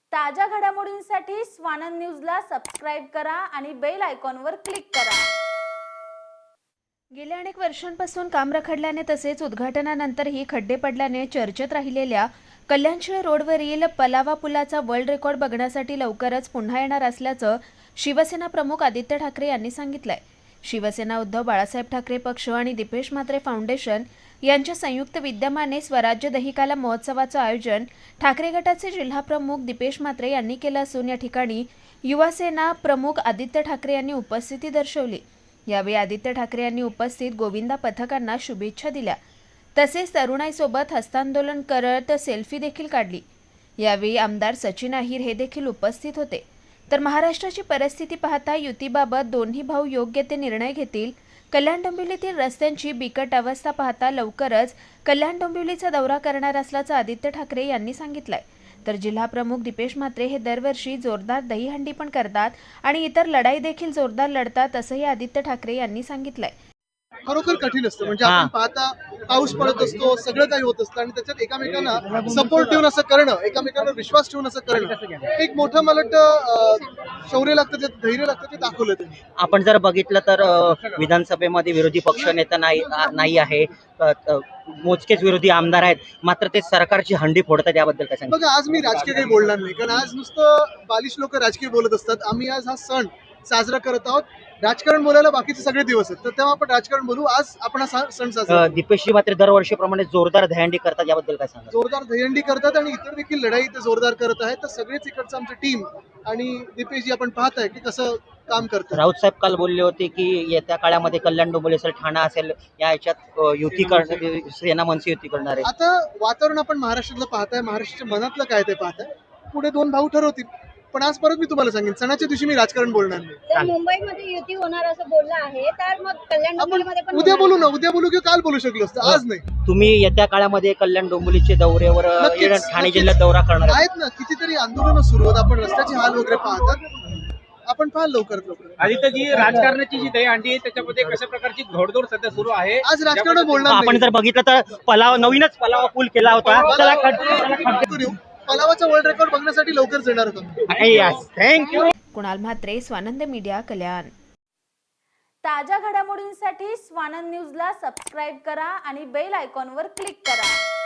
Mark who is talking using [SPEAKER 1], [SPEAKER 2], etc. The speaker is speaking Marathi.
[SPEAKER 1] ताज्या घडामोडींसाठी स्वानंद न्यूजला सबस्क्राइब करा आणि बेल आयकॉनवर क्लिक करा।
[SPEAKER 2] गेल्या अनेक वर्षांपासून काम रखडल्याने तसेच उद्घाटनानंतरही खड्डे पडल्याने चर्चेत राहिलेल्या कल्याणशिळ रोडवरील पलावा पुलाचा वर्ल्ड रेकॉर्ड बघण्यासाठी लवकरच पुन्हा येणार असल्याचं शिवसेना प्रमुख आदित्य ठाकरे यांनी सांगितलंय। शिवसेना उद्धव बाळासाहेब ठाकरे पक्ष आणि दीपेश म्हात्रे फाउंडेशन यांच्या संयुक्त विद्यमाने स्वराज्य दहिकाला महोत्सवाचं आयोजन ठाकरे गटाचे जिल्हाप्रमुख दीपेश म्हात्रे यांनी केलं असून या ठिकाणी युवासेना प्रमुख आदित्य ठाकरे यांनी उपस्थिती दर्शवली। यावेळी आदित्य ठाकरे यांनी उपस्थित गोविंदा पथकांना शुभेच्छा दिल्या, तसेच तरुणाईसोबत हस्तांदोलन करत सेल्फी देखील काढली। यावेळी आमदार सचिन अहिर हे देखील उपस्थित होते। तर महाराष्ट्राची परिस्थिती पाहता युतीबाबत दोन्ही भाऊ योग्य ते निर्णय घेतील। कल्याण डोंबिवलीतील रस्त्यांची बिकट अवस्था पाहता लवकरच कल्याण डोंबिवलीचा दौरा करणार असल्याचं आदित्य ठाकरे यांनी सांगितलंय। तर जिल्हा प्रमुख दीपेश म्हात्रे हे दरवर्षी जोरदार दहीहंडी पण करतात आणि इतर लढाई देखील जोरदार लढतात असंही आदित्य ठाकरे यांनी सांगितलंय।
[SPEAKER 3] खरोखर कठीण असतं, म्हणजे आपण पाहता पाऊस पडत असतो, सगळं काही होत असतं आणि त्याच्यात एकमेकांना सपोर्ट ठेवून असं करणं, एकमेकांवर विश्वास ठेवून असं करणं, एक मोठं मला वाटतं शौर्य लागतं, धैर्य लागतं, ते दाखवलं त्यांनी।
[SPEAKER 4] आपण जर बघितलं तर विधानसभेमध्ये विरोधी पक्षनेता नाही आहे, मोजकेच विरोधी आमदार आहेत, मात्र ते सरकारची हंडी फोडतात, याबद्दल काय सांगा?
[SPEAKER 3] बघा, आज मी राजकीय काही बोलणार नाही, कारण आज नुसतं बालिश लोक राजकीय बोलत असतात। आम्ही आज हा सण साजरा करत आहोत। राजकारण बोलायला बाकीचे सगळे दिवस आहेत, तर तेव्हा आपण राजकारण बोलू। आज आपण हा सण साजरा
[SPEAKER 4] दीपेशजी मात्र दरवर्षीप्रमाणे जोरदार दहीहंडी करतात, याबद्दल काय सांगा?
[SPEAKER 3] जोरदार दहीहंडी करतात आणि इतर देखील लढाई ते जोरदार करत आहेत। तर सगळेच इकडचं आमची टीम आणि दीपेशजी आपण पाहताय की कसं काम करतात।
[SPEAKER 4] राऊत साहेब काल बोलले होते की येत्या काळामध्ये कल्याण डोंबिवली असेल, ठाणा असेल, या याच्यात युती करणार, सेना मनसे युती करणार आहे।
[SPEAKER 3] आता वातावरण आपण महाराष्ट्रातलं पाहताय, महाराष्ट्राच्या मनातलं काय ते पाहताय। पुढे दोन भाऊ ठरवतील, पण आज परत मी तुम्हाला सांगेन, सणाच्या दिवशी मी राजकारण बोलणार नाही।
[SPEAKER 5] तर मुंबईमध्ये युती होणार असं बोललं आहे, तर मग कल्याण डोंबिवलीमध्ये पण
[SPEAKER 3] उद्या बोलू ना, उद्या बोलू किंवा काल बोलू शकलो असतं, आज नाही।
[SPEAKER 4] तुम्ही येत्या काळामध्ये कल्याण डोंबिवलीचे दौऱ्यावर ठाणे जिल्ह्यात दौरा करणार
[SPEAKER 3] आहेत ना, कितीतरी आंदोलनं सुरू आहेत, आपण रस्त्याचे हाल वगैरे पाहतात, आपण पाहाल लवकरात लवकर।
[SPEAKER 6] आदित्यजी, राजकारणाची जी दहीहंडी आहे त्याच्यामध्ये कशा प्रकारची घोडदौड सध्या सुरू आहे?
[SPEAKER 3] आज राजकारण बोलणार
[SPEAKER 4] आपण
[SPEAKER 3] नाही।
[SPEAKER 4] जर बघितलं तर नवीनच पलावा पूल केला होता, त्याला
[SPEAKER 3] पलावाचा वर्ल्ड रेकॉर्ड बघण्यासाठी लवकरच येणार होता।
[SPEAKER 4] थँक्यू।
[SPEAKER 2] कुणाल म्हात्रे, स्वानंद मीडिया, कल्याण।
[SPEAKER 1] ताज्या घडामोडींसाठी स्वानंद न्यूजला सबस्क्राइब करा आणि बेल आयकॉनवर क्लिक करा।